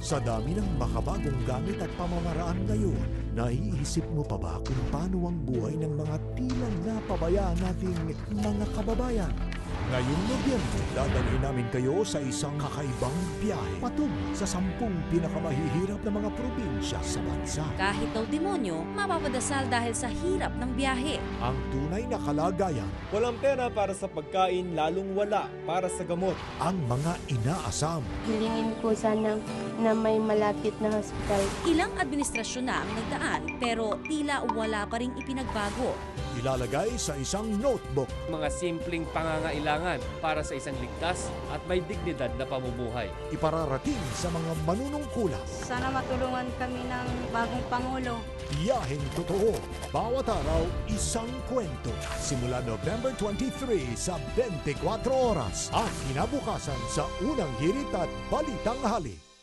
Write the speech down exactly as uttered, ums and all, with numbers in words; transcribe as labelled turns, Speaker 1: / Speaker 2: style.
Speaker 1: Sa dami ng makabagong gamit at pamamaraan ngayon, naiisip mo pa ba kung paano ang buhay ng mga tila napabayaan nating mga kababayan? Ngayong Nobyembre, dadalhin namin kayo sa isang kakaibang biyahe patungo sa sampung pinakamahihirap na mga probinsya sa bansa.
Speaker 2: Kahit daw demonyo, mapapadasal dahil sa hirap ng biyahe.
Speaker 1: Ang tunay na kalagayan,
Speaker 3: Walang pera para sa pagkain, lalong wala para sa gamot.
Speaker 1: ang mga inaasam,
Speaker 4: Hilingin ko sana na may malapit na hospital.
Speaker 2: Ilang administrasyon na ang nagdaan pero tila wala pa ring ipinagbago.
Speaker 1: ilalagay sa isang notebook.
Speaker 5: Mga simpleng pangangailangan para sa isang ligtas at may dignidad na pamumuhay.
Speaker 1: Ipararating sa mga manunungkulan.
Speaker 6: Sana matulungan kami ng bagong Pangulo.
Speaker 1: Biyaheng totoo. Bawat araw, isang kwento. Simula November twenty-three sa twenty-four oras. At kinabukasan sa unang hirit at balitang halik.